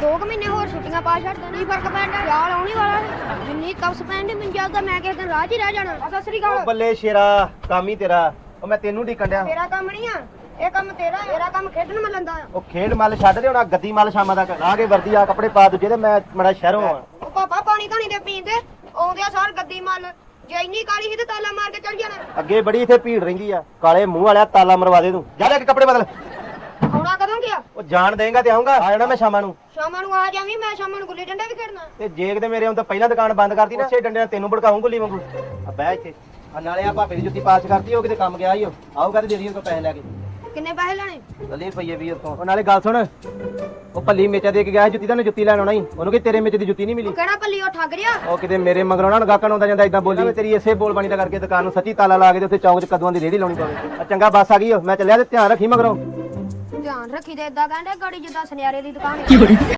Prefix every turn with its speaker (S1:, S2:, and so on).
S1: 2 ਮਹੀਨੇ ਹੋਰ ਛੁੱਟੀਆਂ ਪਾ ਛੱਡ ਦੇਣੀ ਫਰਕ ਪੈਂਦਾ ਯਾਰ ਆਉਣੀ ਵਾਲਾ ਜਿੰਨੀ ਕਪਸ ਪੈਂਦੀ ਮੈਨੂੰ ਜਾਂਦਾ ਮੈਂ ਕਿਸੇ ਦਿਨ ਰਾਹ 'ਚ ਹੀ ਰਹਿ ਜਾਣਾ ਸਤਿ ਸ੍ਰੀ
S2: ਉਹ
S1: ਅਕਾਲ
S2: ਬੱਲੇ ਸ਼ੇਰਾ ਕੰਮ ਹੀ ਤੇਰਾ ਉਹ ਮੈਂ ਤੈਨੂੰ ਢੀਕਣ ਡਿਆ
S1: ਤੇਰਾ ਕੰਮ ਨਹੀਂ ਆ ਇਹ ਕੰਮ ਤੇਰਾ ਮੇਰਾ ਕੰਮ ਖੇਡਣ ਮੱਲਣ ਦਾ ਆ
S2: ਉਹ ਖੇਡ ਮੱਲ ਛੱਡ ਦੇ ਹੁਣ ਗੱਦੀ ਮੱਲ ਸ਼ਾਮਾਂ ਤੱਕ ਲਾ ਕੇ ਵਰਦੀ ਆ ਕੱਪੜੇ ਪਾ ਦੂਜੇ ਤੇ ਮੈਂ ਮੜਾ ਸ਼ਹਿਰੋਂ ਆ
S1: ਉਹ ਪਾਪਾ ਪਾਣੀ ਧਾਣੀ ਦੇ ਪੀਂਦੇ ਆਉਂਦਿਆ ਸਾਰ ਗੱਦੀ ਮੱਲ ਜੇ ਇੰਨੀ ਕਾਲੀ ਸੀ ਤੇ ਤਾਲਾ ਮਾਰ ਕੇ ਚੱਲ ਜਾਣਾ
S2: ਅੱਗੇ ਬੜੀ ਇੱਥੇ ਭੀੜ ਰਹਿੰਦੀ ਆ ਕਾਲੇ ਮੂੰਹ ਵਾਲਿਆ ਤਾਲਾ ਮਰਵਾ ਦੇ ਤੂੰ ਜਾ ਲੈ ਕੇ ਕੱਪੜੇ ਬਦਲ
S1: ਆਉਣਾ ਕਦੋਂ ਗਿਆ
S2: ਉਹ ਜਾਣ ਦੇਂਗਾ ਤੇ ਆਉਂਗਾ ਆ ਜਾਣਾ ਮੈਂ ਸ਼ਾਮਾਂ ਨੂੰ
S1: ਸ਼ਾਮਾਂ ਨੂੰ ਆ ਜਾਵੀਂ ਮੈਂ ਸ਼ਾਮਾਂ ਨੂੰ ਗੁੱਲੀ ਡੰਡਾ ਵੀ ਖੇਡਣਾ
S2: ਤੇ ਜੇ ਕਿਤੇ ਮੇਰੇ ਹੁਣ ਤਾਂ ਪਹਿਲਾਂ ਦੁਕਾਨ ਬੰਦ ਕਰਤੀ ਨਾ ਉਸੇ ਡੰਡੇ ਨਾਲ ਤੈਨੂੰ ਭੜਕਾਉਂ ਗੁੱਲੀ ਵਾਂਗੂ ਆ ਬਹਿ ਇੱਥੇ ਆ ਨਾਲੇ ਆ ਭਾਪੇ ਦੀ ਜੁੱਤੀ ਪਾਸ ਕਰਤੀ ਉਹ ਕਿਤੇ ਕੰਮ ਗਿਆ ਹੀ ਉਹ ਆਊਗਾ ਤੇ ਦੇ ਦੀ ਉਹ ਪੈਸੇ ਲੈ ਕੇ
S1: ਕਿੰਨੇ ਪੈਸੇ ਲੈਣੇ
S2: ਲੱਲੀ ਪਈਏ ਵੀਰ ਤੋਂ ਉਹ ਨਾਲੇ ਗੱਲ ਸੁਣ ਉਹ ਭੱਲੀ ਮੇਚਾ ਦੇ ਕੇ ਗਿਆ ਜੁੱਤੀ ਤਾਂ ਜੁੱਤੀ ਲੈਣ ਆਉਣਾ ਹੀ ਉਹਨੂੰ ਕਿ ਤੇਰੇ ਮੇਚੇ ਦੀ ਜੁੱਤੀ ਨਹੀਂ ਮਿਲੀ
S1: ਕਿਹੜਾ ਭੱਲੀ ਉਹ ਠੱਗ ਰਿਹਾ
S2: ਉਹ ਕਿਤੇ ਮੇਰੇ ਮਗਰੋਂ ਨਾ ਗਾਹਕਾਂ ਆਉਂਦਾ ਜਾਂਦਾ ਇਦਾਂ ਬੋਲੀ ਤੇਰੀ ਇਸੇ ਬੋਲ ਬਾਣੀ ਦਾ ਕਰਕੇ ਦੁਕਾਨ ਨੂੰ ਸੱਚੀ ਤਾਲਾ ਲਾ ਕੇ ਤੇ ਉੱਥੇ ਚੌਂਕ 'ਚ ਕਦੂਆਂ ਦੀ ਰੇਹੜੀ ਲਾਉਣੀ ਪਵੇ ਆ ਚੰਗਾ ਬੱਸ ਆ ਗਈ ਮੈਂ ਚੱਲਿਆ ਤੇ ਧਿਆਨ ਰੱਖੀ ਮਗਰੋਂ
S1: ਧਿਆਨ ਰੱਖੀ ਤੇ ਇਦਾਂ ਕਹਿੰਦੇ ਗਾੜੀ ਜਿੱਦਾਂ ਸੁਨਿਆਰੇ ਦੀ ਦੁਕਾਨ